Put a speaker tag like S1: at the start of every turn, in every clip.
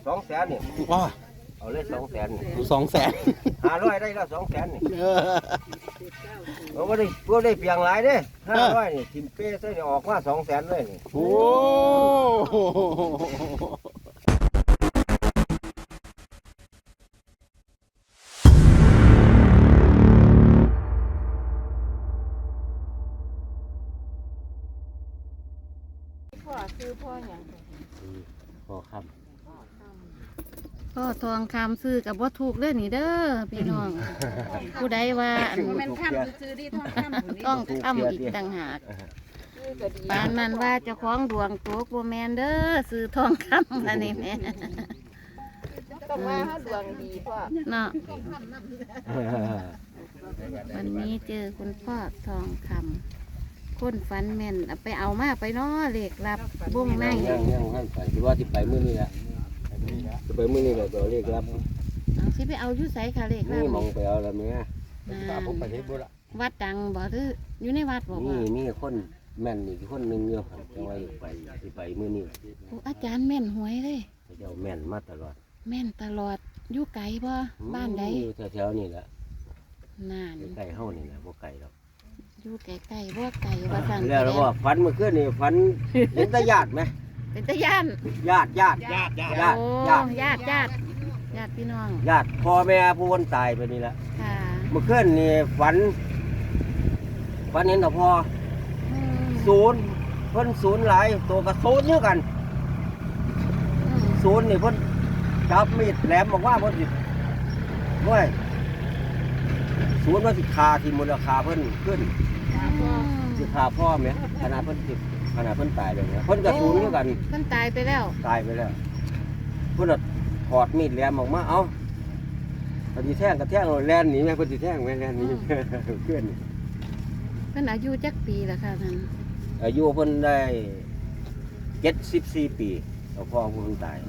S1: 200,000นี่
S2: ว้า
S1: เอาเลย200,000นี่
S2: 200,000
S1: 500ได้แล้ว200,000นี่เราบ่ได้เปียงหลายเด้500นี่ทิมเป้ใส่ออกมา200,000เลยนี่
S2: โอ้
S3: พ่อซื้อพ่ออย่าง
S1: พอครับ
S4: พ่อทองคำซื้อกับว่าถูกเด้อนี่เด้อพี่น้อง ผู้ใดว่าอัน
S3: มันข้ามซื้อที่ท้องข้าม
S4: ต้องคำอีกต่างหากปานนั้นว่าเจ้าของดวงตกบ่แมนเด้อซื้อทองคำอันนี้แม่
S3: ต้องว่าเขาดวงดีพ่อ
S4: เนาะวันนี้เจอคุณพ่อทองคำคนฝันแม่นเอาไปเอามาไปเนาะเลขรับบุ้งใน
S1: ยังท่านไปที่ว่าที่ไปมื้อนี้แหละจะไปมื้อนี้แหละตัวเลขรับ
S4: เอาสิไปเอาอยู่ไสค่ะเลขรั
S1: นี่
S4: บ
S1: มองไปเอาแล้วแม่
S4: ผมไปวัดดังบ่หรืออยู่ในวัดบ่
S1: นี่
S4: ว่า
S1: มีคนแม่นอีกคนหนึงอยู่จังว่าไปสิไปมื้อนี้
S4: โอ้อาจารย์แม่นหวยเลย
S1: เจ้าแม่นมาตลอด
S4: แม่นตลอดอยู่ไกลบ่บ้านใด
S1: อยู่แถวๆนี่แหละ
S4: นาน
S1: ใกล้ๆเฮานี่แหละบ่ไกลหรอก
S4: อยู่ไกลๆบ่ไกลว่าสั่น
S1: แล้วว่าฝันเมื่อคืนนี่ฝันเห็นแต่ญาติไหม
S4: เป็นตะย่าน
S1: ญาติ
S4: โอ้ญาติพี่น้อง
S1: ญาติพ่อแม่ผู้คนตายไปนี่แหละ
S4: ค่ะ
S1: เมื่อคืนนี่ฝันเห็นแต่พ่อ
S4: อืม
S1: ศูนย์เพิ่นศูนย์หลายตัวกับศูนย์เยอะกัน
S4: อืม
S1: ศูนย์นี่เพิ่นจับมีดแหลมบอกว่าเพิ่นสิด้วยศูนย์ว่าสิฆ่าที่มูลค่าเพิ่นขึ้นสิฆ่าพ่อแม่ขนาดเพิ่นตายเลยเนี่ยเพิ่นกับศูนย์เยอะกัน
S4: เพิ่นตายไปแล้ว
S1: ตายไปแล้วเพิ่นน่ะถอดมีดแหลมออกมาเอ้าปฏิแท่งกระแท่งแลนหนีแม่ปฏิแท่งแม่แลนหนีเพื่อน
S4: เพิ่นอายุจักปีแล้วค่ะท่าน
S1: อายุเพิ่นได้74 ปีแล้วพ่อเพิ่นตาย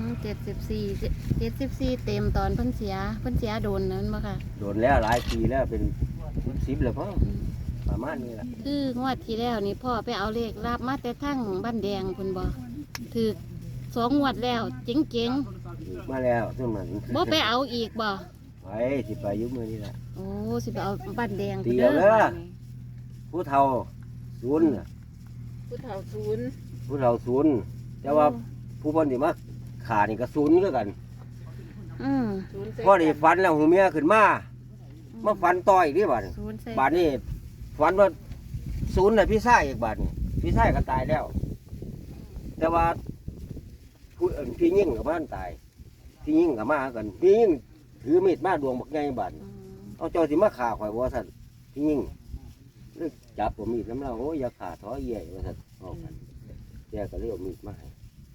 S4: 74เต็มตอนเพิ่นเสียโดนนั้นบ่ค่ะ
S1: โดนแล้วหลายปีแล้วเป็น10แล้วพ่อประมาณนี้แหละ
S4: คืองวดที่แล้วนี่พ่อไปเอาเลขรับมาแต่ทั้งบ้านแดงเพิ่นบ่ถูก2 งวดแล้วเจ๋ง
S1: มาแล้วซึ่งมัน
S4: ๆบ่ไปเอาอีกบ่
S1: ไปสิไปอยุมื้อนี้แหละ
S4: โอ้สิไปเอาบ้านแดง
S1: เดียวเด้อผู้เฒ่าศูนย์น่ะ
S3: ผู้เฒ่าศูนย์
S1: ผู้เฒ่าศูนย์แต่ว่าผู้เพิ่นสิมาขานี่ก็ศูนย์คือกัน
S4: อืม
S3: ศูนย์
S1: พอได้ฝันแล้วหูเมียขึ้นมาฝันต่ออีกนี่บัดนี้
S4: ศูนย์ใส่
S1: บาดนี้ฝันว่าศูนย์น่ะพี่ชายอีกบาดนี้พี่ชายก็ตายแล้ว แต่ว่าพี่ยิ่งกับบ้านตายพี่ยิ่งกับมากันพี่ยิ่งถือมีดมาดวงบักไงบาด
S4: อืม
S1: เอาเจ้าสิมาฆ่าข่อยว่าสั่นพี่ยิ่งเลยจับผมมีดน้ำเราโอ้ยอย่าฆ่าท้อเยี่ยว่าสั่นเอากันแกก็เลยเอามีดมาให้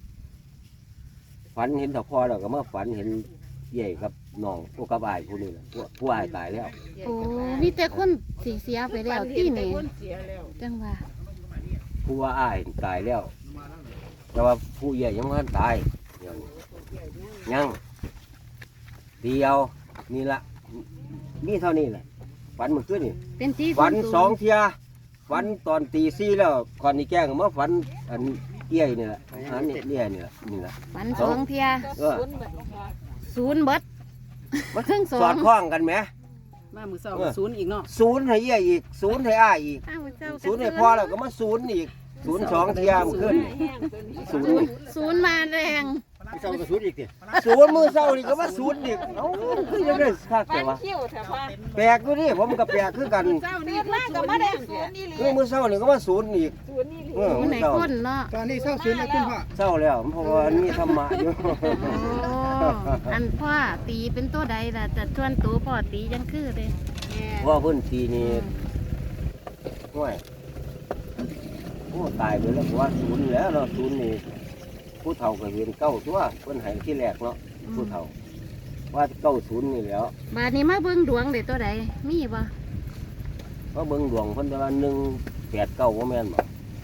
S1: ฝันเห็นตะพอแล้วก็มาฝันเห็นเยี่ยกับน้องพวกกับอายผู้นี้แหละผู้อายตายแล้ว
S4: โอ้มีแต่คนสิเสียไปแล้วที่นี่
S3: เสียแล้ว
S4: จังว่า
S1: ผู้ว่าอายตายแล้ว แต่ว่าผู้ใหญ่ยังไม่ทันตายเดี๋ยวนี้ยังเดียวนี่ละนี่เท่านี้แหละฝันเมื่อคืนนี่
S4: เป็นที่
S1: ฝัน
S4: ศูย์
S1: สองเทียฝันตอนตี4แล้วก่อนนี่แกล้งมาฝันอันเอี้ยนี่แหละอันนี้เอี้ยนี่แหละนี่แหละ
S4: ฝันสองเทีย
S1: เออ
S3: ศูนย์แบบว่า
S4: ศูนย์เบิดเครื่องสอ
S1: สอง ดคล้องกันไหม
S5: มามือสองศูนย์อีกเนาะ
S1: ศูนย์ให้เอี้ยอีกศูนย์ให้อ้ายอีก
S4: อ้าวเจ้า
S1: ศูนย์ให้พ่อแล้วก็มาศูนย์อีกศูนย์สองเทียมขึ้นศูนย์
S4: ศูนย์มาแรง
S1: ศูนย์มือเศร้านี่ก็มาศูนย์อีกเอ้าคือยังได้คักแต่ว่า
S3: คิ้วแต่ว่า
S1: แปลกอยู่นี่ผมก็แปลกคือกัน
S3: เจ้านี่มากกับมาได้ศูนย์นี่
S1: คือมือเศร้านี่ก็มาศูนย์อีก
S3: ศูนย์นี่
S1: เออ
S4: ศูนย์ไหน
S1: เศร้า
S4: คนเนาะ
S2: ตอนนี้เศร้าศูนย์แล้วคุณพ่อ
S1: เศร้าแล้วเพราะว่ามีธรรมะอยู่
S4: โอ้อันพ่อตีเป็นตัวใดล่ะแต่ชวนตัวพ่อตียังคือเลย
S1: เพราะว่าเพื้นที่นี่ห่วยโอ้ตายไปแล้วเพราะว่าศูนย์แล้วเนาะศูนย์นี่ผู้เฒ่าก็เห็นเก้าตัวเพิ่นให้ที่แรกเนาะผู้เฒ่าว่าเก้าศูนย์นี่แหล้ว
S4: บาดนี้มาเบิ่งดวงเด็ตัวใดมีบ่
S1: เพราะเบิ่งดวงเพิ่นว่า189บ่แม่นบ่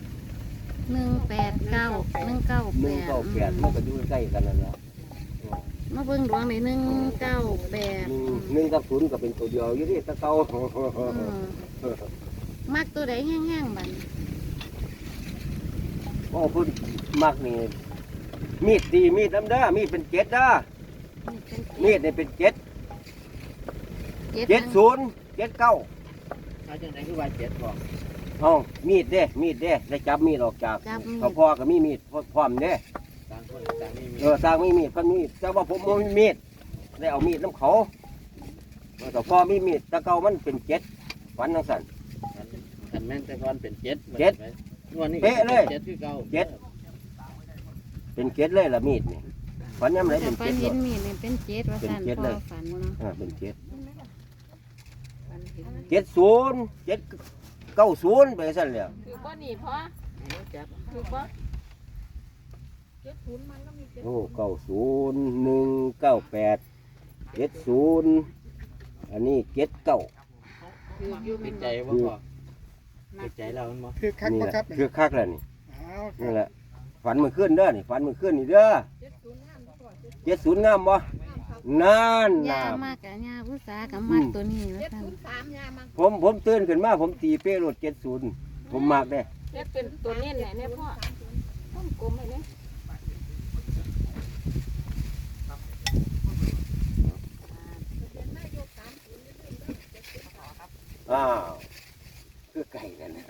S4: 189
S1: 198มันก็อยู่ใกล้กันนั่นแหละ
S4: มาเบิ่งดวงใน198
S1: 1กับ0ก็เป็นตัวเดียวอยู่ที่ตะเก่า
S4: มักตัวใดแห้งๆบัด
S1: โอ้เพิ่นมักนี่มีดตีมีดน้ำเด้อมีดเป็นเจ็ดเด้อมีดนี่เป็นเจ็ด70 79
S2: เอาจังไหนคือว่าเจ็ดบอก
S1: เอามีดเด้ได้จับมีดออกจาก
S4: จับมีด
S1: เขาพ่อก็มีมีดพร้อมเด้
S2: ต่างคนต่างนี่มี
S1: สร้างมีมีดเพิ่นมีแต่ว่าผมบ่มีมีดได้เอามีดน้ำเขาแต่พ่อมีมีดแตะเก่ามันเป็นเจ็ดฝันจังซั่น
S2: ขันแม่นแต่ก่อนเป็นเจ็ด
S1: เจ็ด
S2: วันนี้
S1: เป๊ะเลย
S2: เจ็ดคือเก่า
S1: เจ็ด เป็นเจ็ดเลยล่ะมีดนี่ฝันยามไหน
S4: แต่
S1: เป็น
S4: ฝั
S1: เจ็
S4: น
S1: ด
S4: เห็
S1: เนาะ
S4: นมีดนี่เป็นเจ็ดว่าซั่น
S1: เป็นเจ็ด
S4: พ่
S1: เล
S4: อย ฝันเนาะ
S1: เป็นเจ็ด
S3: มันเห็น
S1: 70 790ไปซั่นแหล้ว
S3: คือบ่นี่พอคือบ่70มันก็มี
S1: โอ้90 198 70อันนี้79
S3: คืออยู่
S2: ติ
S3: เป็
S2: ด
S3: น
S2: ใจบ่พอติดใจเรามันบ่
S6: คือคัก
S1: นี่
S6: บ่
S1: แหละ
S6: ครับ
S1: คือคักแล้วนี่
S6: เอาค
S1: นี่
S6: รับ
S1: แหละฝันมือขึ้นเด้อนี่ฝันมือขึ้นนี่เด้อ70งามบ่นั่น
S4: ย่า
S1: น่ะ
S4: มากกะย่าผู้สากับมักตัวนี้ว่าซั่น
S3: 3ยามัน
S1: ผมตื่นขึ้นมาผมตีเป้รถ70ผมมักเด้
S3: เฮ็ดเป็นตัวเน้นไหนเนี่ยพ่อต้องกลมให้เนี่ย
S1: อ้าวคือไก่กันนะ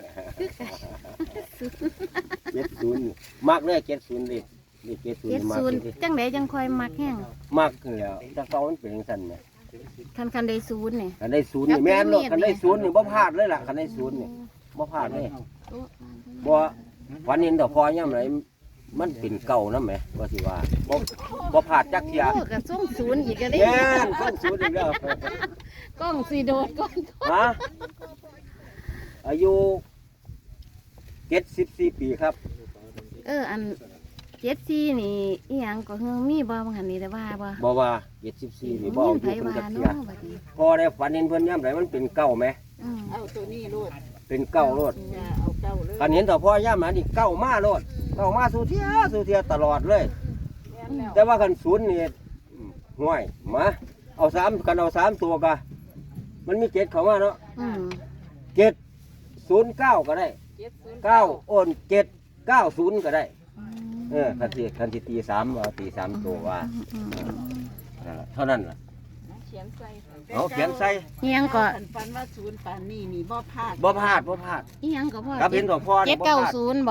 S1: 70มักเด้อ70นี่นี่70มักเด้อ
S4: 70จังไดจังค่อยมักแห้ง
S1: มักแล้วแต่เก่ามันเป็นจังซั่นแหม
S4: คันได้ศูนย์นี่
S1: คันได้0นี่แม่นเนาะคันได้0นี่บ่พลาดเลยล่ะคันได้0นี่บ่พลาดเลย
S4: โอ้
S1: บ่วันนี้ดอกพอย่ำไหนมันเป็นเก่านะแหมว่าสิว่าบ่พลาดจักเที่ย
S4: โอ้ก็ส่งศูนย์อีกก็ได้
S1: แม่นส่งศูนย์อีกแล้ว
S4: กล้องสิโดดก่อน
S1: ฮะอายุ74ปีครับ
S4: อัน74นี่อีหยังก็เฮืองมีบ่บางหันนี่ได้ว่าบ่
S1: บ่ว่า74นี่บ่เอา
S4: ไผ
S1: อยู่เพิ่น
S4: ว่า
S1: จักเที่
S4: เนาะ
S1: ย
S4: บัดนี้
S1: พอได้ฝันเห็นเพิ่นย่ำไหนมันเป็นเก่าไหม
S4: อืม
S3: เอาตัวนี้รูด
S1: เป็นเก่าโลด
S3: จะเอาเก้าเลย
S1: คันเห็นดอกพ่อย่ำไหนนี่เก่ามาโลดเก่ามาสู่เที่ยตลอดเลย
S3: แม่นแล้ว
S1: แต่ว่าคันศูนย์นี่ห่วยมาเอา3กันเอา3ตัวกะมันมี7เข้ามาเนาะ
S4: อืม
S1: 709ก็ได้ 9โอน790ก็ได้คันที่ตี3ว่าตี3ตัวว่า
S4: อืม
S1: นั่นล่ะเท่านั้นล่ะ
S3: เขียนใส่
S1: เอาเขียนใส่
S4: อีหยังก็
S3: ฝันว่าศูนย์ปานนี่มีบ่พลาด
S1: บ่พลาด
S4: อีหยังก็พ่อ
S1: กับเห็นดอกพ่อนี่บ่พลาด
S4: 790บ่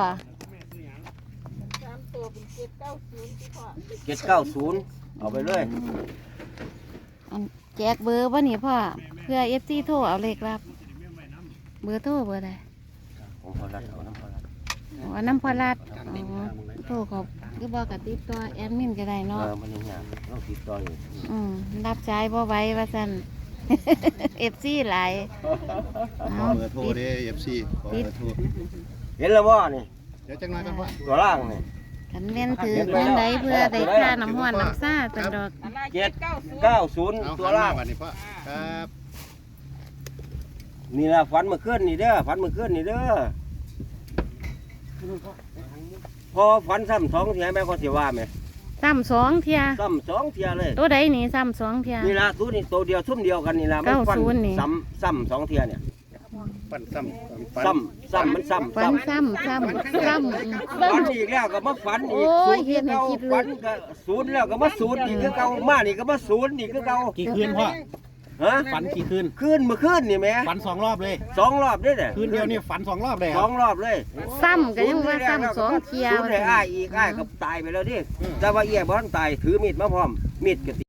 S3: 3ตัวเป็น790ที่พ่อ
S1: 790เอาไปเลย
S4: อันแจกเบอร์บ่นี่พ่อเพื่อ FC โทรเอาเลขรับ เบอร์โทรเบอร์ใด
S1: ผมพอรัดเอาน้ำพอรัด
S4: อ๋อน้ำพอลัดอ๋อโทรเขาคือบอกกับติดต่อแอดมินก็ได้เนาะ
S1: มันยังยากเราติดต่ออยู่
S4: รับสายบ่ไหว้ว่าซั่น FC หลาย
S6: ขอเบอร์โทรเด้ FC ขอเบอร์โทร
S1: เห็นแล้วบ่นี่
S6: เดี๋ยวจังหน่อยกันพ่อ
S1: ตัวล่างนี่
S4: คันแม่นถือเงินใดเพื่อได้ค่าน้ำห้อนน้ำซ่าตันดอก
S3: อะไร
S1: 790
S6: เอา
S1: ตัว
S6: หัน
S1: ล่าม
S6: าง บัดนี้พ่อครับ
S1: นี่ล่ะฝันเมื่อคืนนี่เด้อฝันเมื่อคืนนี่เด้อพอฝันซ้ำ2เที่ยแม่ก็สิว่าแม่
S4: ซ้ำ2เที่ย
S1: ซ้ำ2เที่ยเลย
S4: ตัวใดนี่ซ้ำ2เที่ย
S1: นี่ล่ะตัวนี้ตัวเดียวซุ่มเดียวกันนี่ล่ะมันฟัน
S4: 90นี่
S1: ซ้ำ2เที่ยเนี่ย
S6: ปั่นซ้ำ
S1: ซ้ำมันซ้ำ
S4: ฟันซ้ำ
S1: ฝันอีกแล้วก็มาฝันอีก
S4: โอ้ย
S1: ศูนย์คือเก่า
S4: เห็นคิดเลย
S1: ฝันก็ศูนย์แล้วก็มาศูนย์อีกคือเก่ามานี่ก็มาศูนย์อีกคือเก่า
S2: กี่คืนพ่อ
S1: ฮะ
S2: ฝันกี่คืน
S1: คืนเมื่อคืนนี่แหม่
S2: ฝัน2 รอบเลย
S1: 2 รอบเด้อเนี่ย
S2: คืนเดียวนี่ฝัน2 รอบเลยค
S1: ส
S2: รั
S1: อบ งรอบเลย
S4: ซ้ำก็ยังว่าซ้ำ2เที่ย
S1: ศูนย์ให้อ้ายอีกอ้ายก็ตายไปแล้วดิแต่ว่าเอี้ยบ่ทันตายถือมีดมาพร้อมมีดก็